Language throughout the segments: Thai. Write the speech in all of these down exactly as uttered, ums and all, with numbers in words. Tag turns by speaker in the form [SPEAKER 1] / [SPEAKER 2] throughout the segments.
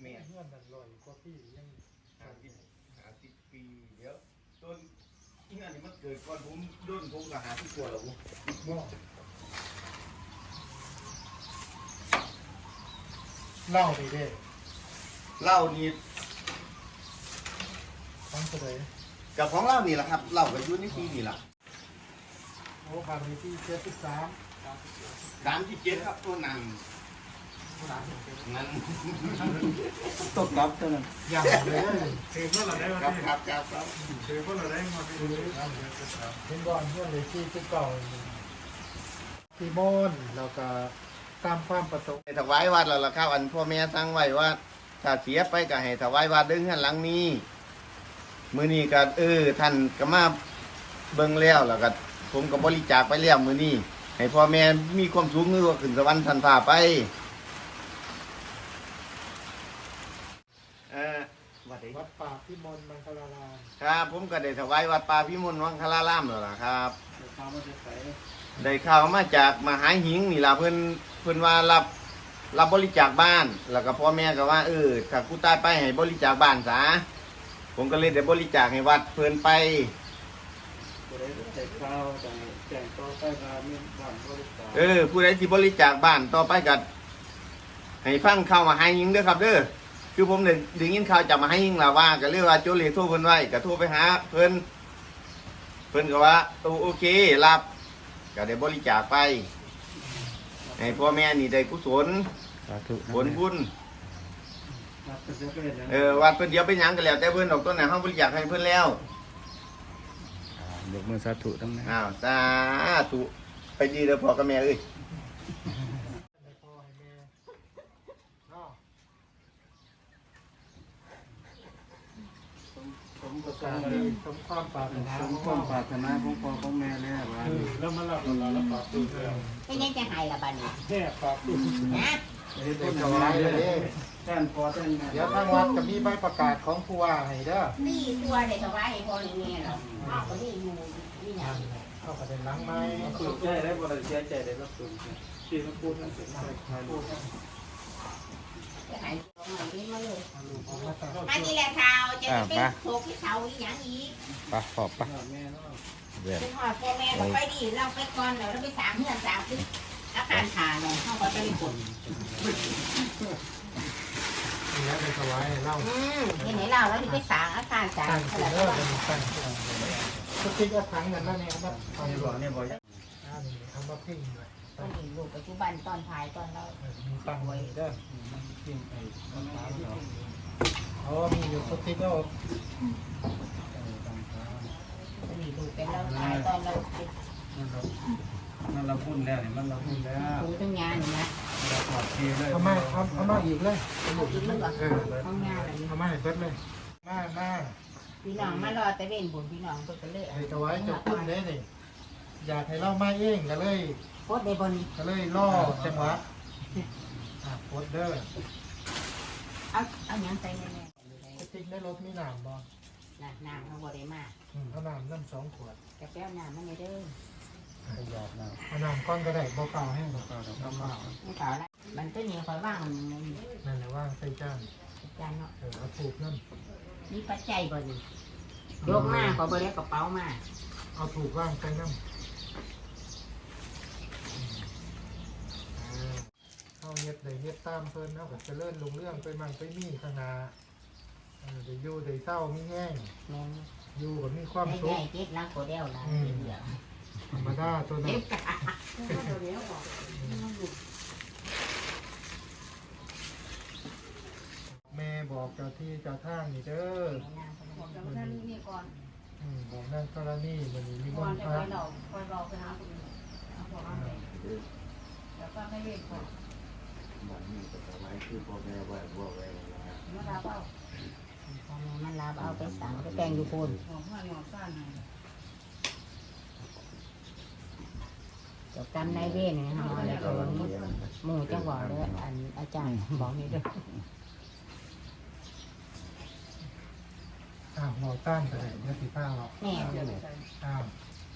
[SPEAKER 1] แม่
[SPEAKER 2] เพื่อนนั่นลอยกว่าพี่ยัง
[SPEAKER 1] หาสิบหาสิบปีเดี๋ยวต้นที่งานนี้มันเกิดก่อนผมด้นผมก็หาที่กลัวแล้วผม
[SPEAKER 2] บ่เล่าไปเด้
[SPEAKER 1] เหล้านี่
[SPEAKER 2] ฟังเสดย
[SPEAKER 1] กับของเหล้านี่แหละครับเหล้ากับยุ่นนี่ปีนี่แหละ
[SPEAKER 2] โอ้ผ่านไปที่เจ็ดสิบสาม
[SPEAKER 1] สามที่เจ็ดครับตัวหนัง
[SPEAKER 2] สามสิบเจ็ด
[SPEAKER 1] นั้น
[SPEAKER 3] ตกรับตัวนั้น
[SPEAKER 2] อย่างเลยเห็นว่าเราได้มา
[SPEAKER 1] ครับ
[SPEAKER 2] ที่
[SPEAKER 1] ครับครับครับ
[SPEAKER 2] เห็นว่าเราได้มาที่เห็นก่อนเพื่อนเลยที่ที่เก่าที่โมนแล้วก็ตามความประสงค์
[SPEAKER 1] ถวายวัดแล้วล่ะครับอันพ่อแม่สั่งไว้ว่า ถ้าเสียไปก็ให้ถวายวัดเด้งหันหลังนี้มื้อนี้ก็เออท่านก็มาเบิ่งแล้วแล้วก็ผมก็บริจาคไปแล้วมื้อนี้ให้พ่อแม่มีความสุขนึกว่าขึ้นสวรรค์ทันฟ้าไปเออวัดไหน
[SPEAKER 2] วัดป่าพิมลมังคลาราม
[SPEAKER 1] ครับผมก็ได้ถวายวัดป่าพิมลวังคลารามแล้วล่ะครับ
[SPEAKER 3] ตามมาจะใส่
[SPEAKER 1] ได้ข่าวมาจากมหาหิงนี่ล่ะเพิ่นเพิ่นว่ารับรับบริจาคบ้านแล้วก็พ่อแม่ก็ว่าเออถ้ากูตายไปให้บริจาคบ้านซะผมก็เลยได้บริจาคให้วัดเพิ่นไป
[SPEAKER 3] ตัวได้ใส่ข้าวแต่แจงต่อไปมาไม่บ้านบริการ
[SPEAKER 1] เออผู้ใดที่บริจาคบ้านต่อไปก็ให้ฟังข่าวมหาหิงเด้อครับเด้อคือผมได้ได้ยินข่าวจากมหาหิงล่ะว่าก็เลยว่าโจเลโทรเพิ่นไว้ก็โทรไปหาเพิ่นเพิ่นก็ว่าโอโอเครับก็ได้บริจาคไปให้พ่อแม่นี่ได้กุศล
[SPEAKER 3] สาธุ
[SPEAKER 1] ผลบุญ
[SPEAKER 3] รับเป็นเจ้าเป็นยัง
[SPEAKER 1] เออวัดเพิ่นเดียวไปหยังกันแล้วแต่เพิ่นออกต้นไหนเฮาบริจาคให้เพิ่นแล้ว
[SPEAKER 3] ยกมือสาธุตั้งนะ
[SPEAKER 1] อ้าวสาธุไปดีเด้อพ่อกับแม่เอ้ย
[SPEAKER 2] ให้พ่อให้แม่เนาะ
[SPEAKER 3] สมประ
[SPEAKER 2] กา
[SPEAKER 3] การ ร
[SPEAKER 2] ดีสมความปรารถนา
[SPEAKER 3] สมความปรารถนาของพ่อของแม่แล้วว่า
[SPEAKER 2] แล้วมารับเราแล้วปรับปรุงแล้ว
[SPEAKER 4] ไม่ยังจะหายละบ้านี้
[SPEAKER 2] แค่ปรับปรุง
[SPEAKER 4] นะ
[SPEAKER 3] เฮ็ดเป็นอะไรเลยแทนพ่อแทนแม่
[SPEAKER 2] เดี๋ยวทางวัดจะมีใบประกาศของผู้ว่าให้เด้อ
[SPEAKER 4] นี่ตัวเด็กถวายให้พ่อให้แม่หรอกอ้าวก็นี่อยู่นี่หยั
[SPEAKER 2] นั่
[SPEAKER 4] ง
[SPEAKER 2] นแหละเข้าประเด็นหลังไม้
[SPEAKER 3] สุดใจได้บ่ได้เสียใจได้รับสุดที่มันพูดนั่นเป็นอะไรพูด
[SPEAKER 4] จะหายตรงไหนนี่มาเลย
[SPEAKER 2] ลูกของมาตา
[SPEAKER 4] อันนี้แหละข่าวจะเป็นโศกที่เสาอีหยังอีก
[SPEAKER 5] ปะขอบปะ
[SPEAKER 3] แม่เนาะ
[SPEAKER 5] เดี๋ยว
[SPEAKER 4] เป็นหอดพ่อแม่ก็ไปดีเราไปก่อนเดี๋ยวเราไปสามเพื่อนสามที่อาการขาเนี่ยเข้าก็จะได้ผล
[SPEAKER 2] เนี่ยเป็นถวายเล่า
[SPEAKER 4] อืมเห็นไหนเราแล้วที่ไปสางอาการสาง
[SPEAKER 2] ตั้ง
[SPEAKER 4] เท่า
[SPEAKER 2] ขึ้
[SPEAKER 4] ไห
[SPEAKER 2] น
[SPEAKER 4] ร่
[SPEAKER 2] เด้อ
[SPEAKER 4] ก็
[SPEAKER 2] เป็นตั้งขึ้นทุกทีก็ทั้งนั้นนั่นเองครับเอา
[SPEAKER 3] เนี่ย
[SPEAKER 2] บบ อ
[SPEAKER 3] อก กเนี่ยบอก
[SPEAKER 2] อ่านี่ทำมาพิ้งเลย
[SPEAKER 4] ต้องมีลูกปัจจุบันตอนถ่ายตอนเรา
[SPEAKER 2] มีตั้งไว้เด้อ
[SPEAKER 3] มันกินไปมันตามเรา
[SPEAKER 2] อ๋อมีอยู่ทุกทีก็
[SPEAKER 4] จะมีลูกเป็นเราถ่ายตอนเรา
[SPEAKER 3] มันเรามันเราพูดแล้วเนี่ยมันเราพูดแล้ว
[SPEAKER 4] ดูทั้งงานนะ
[SPEAKER 3] เราปลอดภัยเลย
[SPEAKER 2] เอามาเอาเอามาอีกเลย
[SPEAKER 4] เอาอีกแล้วเหรอ
[SPEAKER 2] เออ
[SPEAKER 4] ห้องงานอะไรนี่
[SPEAKER 2] เอามาให้เบิดเลยมามา
[SPEAKER 4] พี่น้องมารอแต่เว้นบุญพี่น้องเพิ่นก็เลย
[SPEAKER 2] ให้ถวายเจ้าคุณเด้นี่อยากให้เรามาเองก็เลย
[SPEAKER 4] โพสต์ได้บน
[SPEAKER 2] ก็เลยล่อจังหวะอ่ะโพสเดอร์
[SPEAKER 4] เอาเอาหยังใส่แน่
[SPEAKER 2] สติ๊กในรถมีน้ำบ่
[SPEAKER 4] ๆน่ะน้ำเขาบ่ได้มาก
[SPEAKER 2] อืมเอาน้ำน้ำสองขวด
[SPEAKER 4] กระแป้วน้ำมันไม่เด้อ
[SPEAKER 3] ประหยัดนะ
[SPEAKER 2] เอาน้ำก้อนก็ได้บ่เปล่าแห้งบ่
[SPEAKER 3] ก็เรา
[SPEAKER 2] น้ำเปล่า
[SPEAKER 4] ไม่เปล่าละมันตัวนี้คอยว่าง
[SPEAKER 2] นั่นแหละว่างใส่จาน
[SPEAKER 4] จานเนาะ
[SPEAKER 2] เออเอาถูกนั่น
[SPEAKER 4] มีปัจจัยบ่นี่ยกมาขอบ่ได้กระเป๋ามา
[SPEAKER 2] เอาถูกว่างใส่น้ำเข้าเฮ็ดได้เฮ็ดตามเพิ่นเอาก็เจริญรุ่งเรื่องไปมันไปมีข้างหน้าเออได้อยู่ได้เศร้ามีแห้ง
[SPEAKER 4] แม่น
[SPEAKER 2] อยู่ก็มีความ
[SPEAKER 4] ไม่
[SPEAKER 2] สุ
[SPEAKER 4] ได้
[SPEAKER 2] ข
[SPEAKER 4] เก็บนักโคเดลนะเดี๋ยว
[SPEAKER 2] ธรรมดาตัวนั้
[SPEAKER 4] เก็
[SPEAKER 2] น
[SPEAKER 4] บกะตัวเดียวบอก
[SPEAKER 2] แม่บอกเจ้าที่เจ้าทางนี่เด้อ
[SPEAKER 4] บอกเจ้าท่านนี่ก่อน
[SPEAKER 2] อืมบอกนั่นกรณีมันนี้มี
[SPEAKER 4] ก่
[SPEAKER 2] บ้า
[SPEAKER 4] อน
[SPEAKER 2] น
[SPEAKER 4] จะ
[SPEAKER 2] พั
[SPEAKER 4] ไป
[SPEAKER 2] ก
[SPEAKER 4] หลอกคอยบอกไปหาคนเอาบอกว่าไปแล้วก็ไม่เว้นก่อน
[SPEAKER 1] บ้านนี้ก็ถวายคือพ่อแม่ไว้บ่ไว้แล้ว
[SPEAKER 4] มาลาเป้ามันลาเอาไปสั่งไปแต่งอยู่พูน
[SPEAKER 6] ของพ่อหนอนสั้นให้
[SPEAKER 4] จบกรรมนายเวรเนี่ยฮะอะไรก็ว่างี้หมู่จังหวะเลยอันอาจารย์บอกนี่ด้วย
[SPEAKER 2] อ้าวเราต้านไปเลยเดี๋ยวสิผ้าเรา
[SPEAKER 4] แม่
[SPEAKER 2] อ้าวท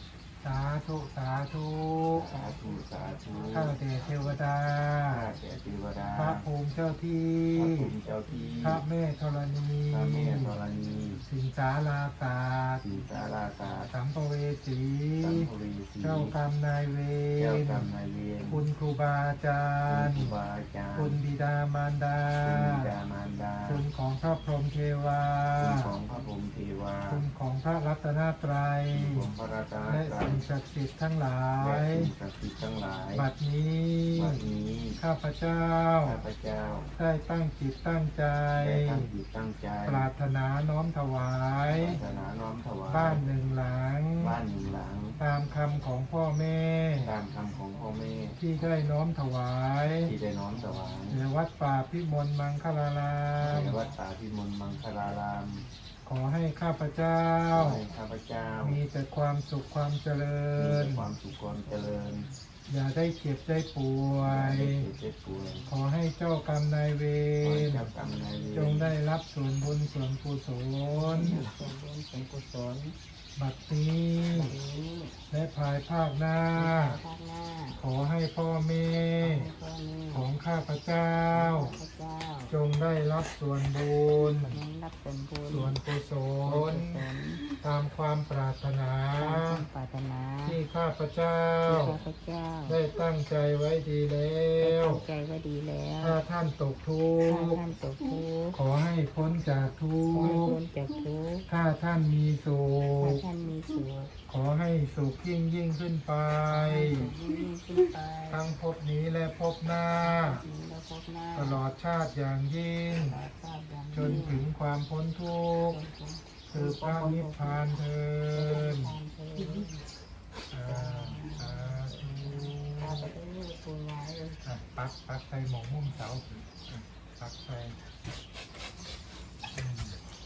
[SPEAKER 2] สาธุสาธุ
[SPEAKER 1] สาธุสาธุ
[SPEAKER 2] ข้าแต่เทวดา
[SPEAKER 1] ข้าแต่เทวดา
[SPEAKER 2] พระภูมิเจ้าที่
[SPEAKER 1] พระภูมิเจ้าที่
[SPEAKER 2] พระแม่ธรณี
[SPEAKER 1] พระแม่ธรณี
[SPEAKER 2] สิงสาราศาสตร์
[SPEAKER 1] สีสาราศาสตร์
[SPEAKER 2] สัมภเวสี
[SPEAKER 1] สัมภเวสี
[SPEAKER 2] เจ้ากรรมนายเว
[SPEAKER 1] เจ้าร กรรมนายเวร
[SPEAKER 2] คุณครูบาอาจารย์
[SPEAKER 1] ครูบาอาจารย์
[SPEAKER 2] คุณบิดามารดา
[SPEAKER 1] คุณบิดามารดา
[SPEAKER 2] คุณของพระพรหมเทวา
[SPEAKER 1] คุณของพระพรหมเทวา
[SPEAKER 2] คุณของพระรัตนตรัย
[SPEAKER 1] คุณของพระราชา
[SPEAKER 2] และ
[SPEAKER 1] ตรั
[SPEAKER 2] สิ่
[SPEAKER 1] ย
[SPEAKER 2] งศักดิ์สิทธิ์ทั้งหลา
[SPEAKER 1] และ
[SPEAKER 2] ย
[SPEAKER 1] สิ่งศักดิ์สิทธิ์ทั้งหลาย
[SPEAKER 2] บัดนี้
[SPEAKER 1] บัดนี้
[SPEAKER 2] ข้าพเจ้า
[SPEAKER 1] ข้าพเจ้า
[SPEAKER 2] ได้ตั้งจิตตั้งใจ
[SPEAKER 1] ได้ตั้งจิตตั้งใจ
[SPEAKER 2] ปรารถนาน้อมถวาย
[SPEAKER 1] ปรารถนาน้อมถวาย
[SPEAKER 2] บ้านหนึ่งหลัง
[SPEAKER 1] บ้านหนึ่งหลัง
[SPEAKER 2] ตามคำของพ่อแม่
[SPEAKER 1] ตามคำของพ่อแม่
[SPEAKER 2] ที่ได้น้อมถวาย
[SPEAKER 1] ที่ได้น้อมถวาย
[SPEAKER 2] ในวัดป่าพิมลมังคลาราม
[SPEAKER 1] ในวัดป่าพิมลมังคลาราม
[SPEAKER 2] ขอให้ข้าพเจ้า
[SPEAKER 1] ขอให้ข้าพเจ้า
[SPEAKER 2] มีแต่ความสุขความเจริ
[SPEAKER 1] มี
[SPEAKER 2] ญ
[SPEAKER 1] แต่ความสุขความเจริญ
[SPEAKER 2] อย่าได้เจ็บได้ป่ว
[SPEAKER 1] อย่าได้
[SPEAKER 2] ย
[SPEAKER 1] เจ็บเจ็บป่วย
[SPEAKER 2] ขอให้เจ้ากรรมนายเว
[SPEAKER 1] ขอให้
[SPEAKER 2] ร
[SPEAKER 1] เจ้ากรรมนายเวร
[SPEAKER 2] จงได้รับส่วนบุญส่วนกุศล
[SPEAKER 4] ส่วนบุญส่วนกุศล
[SPEAKER 2] บัดนี้
[SPEAKER 4] บัดนี้
[SPEAKER 2] และภายภาคหน้า
[SPEAKER 4] ภาคหน้า
[SPEAKER 2] ขอให้พ่อแม่
[SPEAKER 4] ให้พ่อแม่
[SPEAKER 2] ของข้าพเจ้า
[SPEAKER 4] พระเจ้า
[SPEAKER 2] จงได้รับส่วนบุญ
[SPEAKER 4] นั้นรับส่วนบุญ
[SPEAKER 2] ส่วนกุศ
[SPEAKER 4] ส่วน
[SPEAKER 2] ล
[SPEAKER 4] กุศล
[SPEAKER 2] ตามความปรารถนา
[SPEAKER 4] ตามความปรารถนา
[SPEAKER 2] ที่ข้าพเจ้า
[SPEAKER 4] ที่ข้าพเจ้า
[SPEAKER 2] ได้ตั้งใจไว้ดีแล้
[SPEAKER 4] ได้
[SPEAKER 2] ว
[SPEAKER 4] ตั้งใจไว้ดีแล้ว
[SPEAKER 2] ถ้าท่านตกทุ
[SPEAKER 4] ถ้าก
[SPEAKER 2] ข์
[SPEAKER 4] ท่านตกทุกข์
[SPEAKER 2] ขอให้พ้นจากทุ
[SPEAKER 4] ขอให้
[SPEAKER 2] กข์
[SPEAKER 4] พ้นจากทุกข์
[SPEAKER 2] ถ้าท่านมีสุ
[SPEAKER 4] ถ้า
[SPEAKER 2] ข
[SPEAKER 4] ท่านมีสุข
[SPEAKER 2] ขอให้สุขยิ่งยิ่งขึ้นไป
[SPEAKER 4] ยิ่งขึ้นไป
[SPEAKER 2] ทั้งภพนี้และภพหน้า
[SPEAKER 4] นี้แล้วพบหน้า
[SPEAKER 2] ตลอดชาติอย่างยิ่ง
[SPEAKER 4] ตลอดชาติอย่าง
[SPEAKER 2] จนถึงความพ้นทุกข์คือพระนิพพานเทิน
[SPEAKER 4] ทานเถิด
[SPEAKER 2] อ่าสาธุ
[SPEAKER 4] ตาไปด้วยปูงายเลย
[SPEAKER 2] อ่ะปักปักใส่หมองมุมเสาอ่ะปักใส่อืม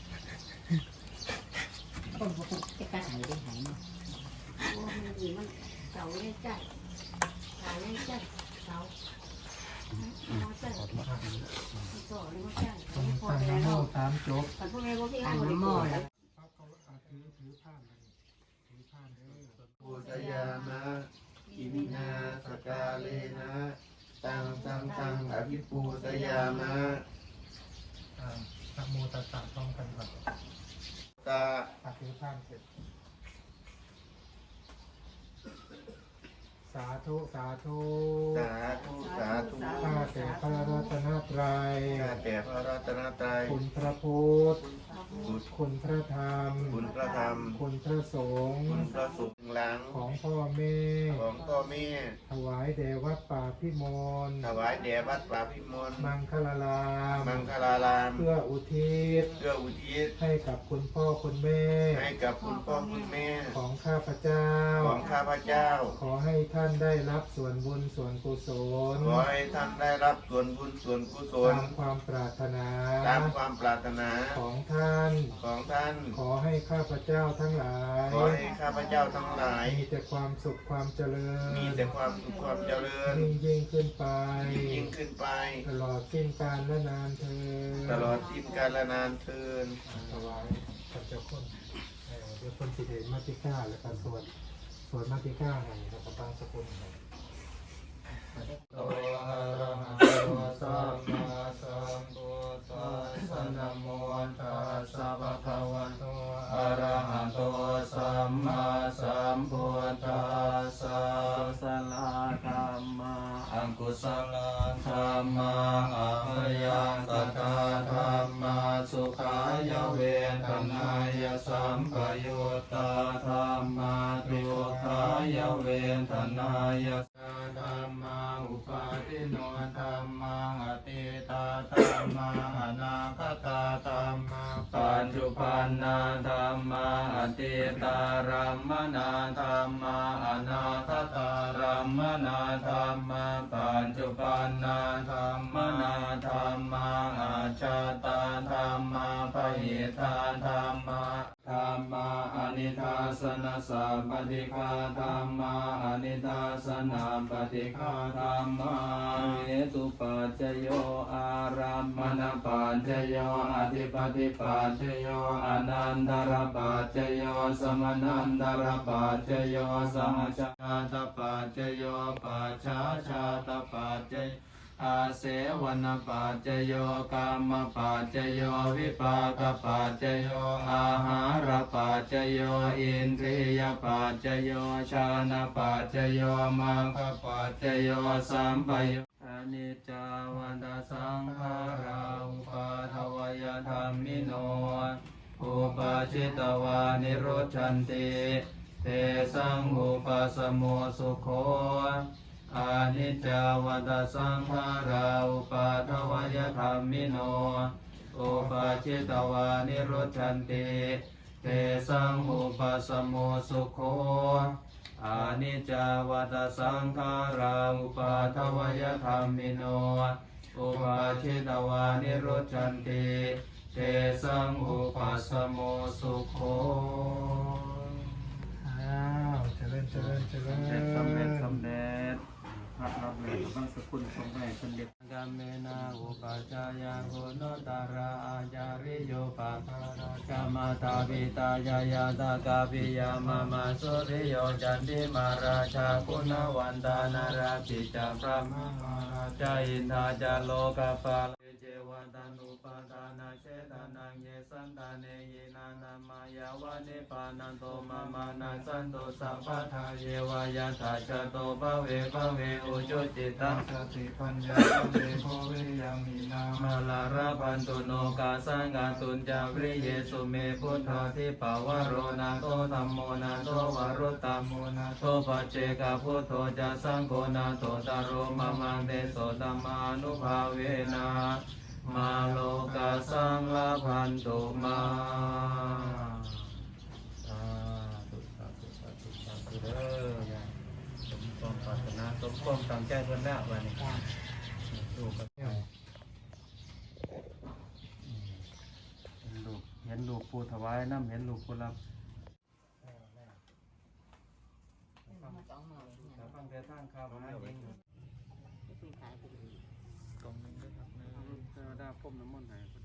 [SPEAKER 4] คนพวกคนจะกระหายได้หายเนาะ
[SPEAKER 5] โอ้มันดีมันเสาเลยจ้ะเสาเลยจ้ะเสาเอาจ้ะต่อเลยว่าจ้ะ
[SPEAKER 2] ตรง
[SPEAKER 5] พอ
[SPEAKER 2] ตั้ง
[SPEAKER 5] แล้ว
[SPEAKER 2] นะโมสามจบ
[SPEAKER 5] แต่พวกแม่พวกพี่
[SPEAKER 4] อั
[SPEAKER 5] เอา
[SPEAKER 4] น
[SPEAKER 5] หมด
[SPEAKER 4] น้ำหม้อแล้ว
[SPEAKER 2] ปักเขาอ่ะถือถือผ้ามันถือผ้าเด้อ
[SPEAKER 1] ปุตยามะกิมินาสกาเลนะตังสังสังอภิปูตยามะ
[SPEAKER 2] อ่านะโมตัสสะพร้อมกันก่อน
[SPEAKER 1] ตา
[SPEAKER 2] อ่ะถือผ้าเสร็จสาธุสาธุ
[SPEAKER 1] สาธุสาธุ
[SPEAKER 2] ข้าแต่พระรัตนตรัย
[SPEAKER 1] ข้าแต่พระรัตนตรัย
[SPEAKER 2] คุณพระพุทธ
[SPEAKER 1] บุตร
[SPEAKER 2] คุณพระธรรม
[SPEAKER 1] คุณพระธรรม
[SPEAKER 2] คุณพระสงฆ์
[SPEAKER 1] คุณพระสุขหลัง
[SPEAKER 2] ของพ่อแม่
[SPEAKER 1] ของพ่อแม่
[SPEAKER 2] ถวายแด่วัดป่าพิมล
[SPEAKER 1] ถวายแด่วัดป่าพิมล
[SPEAKER 2] มังคลาราม
[SPEAKER 1] มังคลาราม
[SPEAKER 2] เพื่ออุทิศ
[SPEAKER 1] เพื่ออุทิศ
[SPEAKER 2] ให้กับคุณพ่อคุณแม่
[SPEAKER 1] ให้กับคุณพ่อคุณแม่
[SPEAKER 2] ของข้าพเจ้า
[SPEAKER 1] ของข้าพเจ้า
[SPEAKER 2] ขอให้ท่านได้รับส่วนบุญส่วนกุศล
[SPEAKER 1] ขอให้ท่านได้รับส่วนบุญส่วนกุศล
[SPEAKER 2] ตามความปรารถนา
[SPEAKER 1] ตามความปรารถนา
[SPEAKER 2] ของท่าน
[SPEAKER 1] ของท่าน
[SPEAKER 2] ขอให้ข้าพเจ้าทั้งหลาย
[SPEAKER 1] ขอให้ข้าพเจ้าทั้งหลาย
[SPEAKER 2] มีแต่ความสุขความเจริญ
[SPEAKER 1] มีแต่ความสุขความเจริญ
[SPEAKER 2] ยิ่งยิ่งขึ้นไป
[SPEAKER 1] ยิ่งขึ้นไป
[SPEAKER 2] ตลอดสิ้นกาลและนานเธอญ
[SPEAKER 1] ตลอดสิ้นกาลนานเทิน
[SPEAKER 2] ถวายพระเจ้าคนเอ่อเดี๋ยวคนสิเดชมาติก้าแล้วก็สวดสวดมาติก้าให้แล้วก็ตั้งสกุลให้
[SPEAKER 1] โตอะระหะโตสัมมาสัมพุทธัสสะนะโมตัสสะภะคะวะโตอะระหะโตสัมมาสัมพุทธัสสะสลาธัมมาอังกุศลธัมมาอะระยังตถาธัมมาสุขายเวทนายสัมปยุตตาธัมมาทุกขายเวทนายธัมมาอุปาทิโนธัมมังอติตาธัมมังอนาคตาธัมมังปัจจุปันนาธัมมังอติตารัมมนาธัมมังอนาคตารัมมนาธัมมังปัจจุปันนาธัมมนาธัมมังอาชาตาธัมมังปหิทาธัมมังธัมมังอนิ
[SPEAKER 3] ทาสนะสัพปฏิฆาธัมมาอนิทาสนะปฏิฆาธัมมาเหตุปัจจโยอารัมมณปัจจโยอธิปติปัจจโยอนันตรปัจจโยสมนันตรปัจจโยสหชาตปัจจโยปัจฉาชาตปัจจโยอาเสวนปัจจโยกรรมปัจจโยวิปากปัจจโยอาหารปัจจโยอินทรียปัจจโยชานะปัจจโยมังคปัจจโยสัมปโยอนิจจาวันตสังขาราอุปาทวยธรรมิโนอุปาชิตวานิโรธชันติเตสังอุปสมโมสุโขอานิจจาวัฏสังขาราอุปาทวยธรรมิโนอุปาชิตวานิโรธชันติเตสังอุปสมโมสุโขอานิจจาวัฏสังขาราอุปาทวยธรรมิโนอุปาชิตวานิโรธชันติเตสังอุปสมโมสุโข
[SPEAKER 2] อ้าวเจริญเจริญเจริญ
[SPEAKER 3] สำเร็จสำเร็จพระรับเลยบางสกุลทรงให้สำเร็จกามเมนาอุปาจายาโหนตาราอาจาริโยปะกามาตาปิตายายาตากาปิยามามาสุริโยจันติมาราชาคุณวันตานาราปิจาพระมหาราชาอินทาจาโลกาปาลเจวันตันุปาทานาเชตานังเยสันตาเนยินานามายาวานิปานันโตมามานาสันโตสัพพทาเยวายาตาจโตภเวภเวอุจุจิตังสติปัญญาเวโภเวยังมีนามาลาราพันตุโนกาสังกาตุนจาวิเยสุเมพุทธาทิปาวโรนาโตธัมโมนาโตวรุตตามโมนาโตปัจเจกพุทโธจะสังโฆนาโตตารโรมะมังเตโสตัมมานุภาเวนะมาโลกาสังลาพันตุมาสาธุสาธุสาธุสาธุเด้อสมความปรารถนาสมความตั้งใจเพิ่นแล้ววันนี้ดูกันเห็นลูกเห็นลูกผู้ถวายน้ำเห็นลูกผู้รับ
[SPEAKER 4] มาสองหมื่นเนี่ย
[SPEAKER 3] แต่ฟังแต่ทางข่าวหาเอง
[SPEAKER 4] ไม่ขายไปเลย
[SPEAKER 3] ตรงนึงด้วยครับเทวดาพรมน้ำมนต์ให้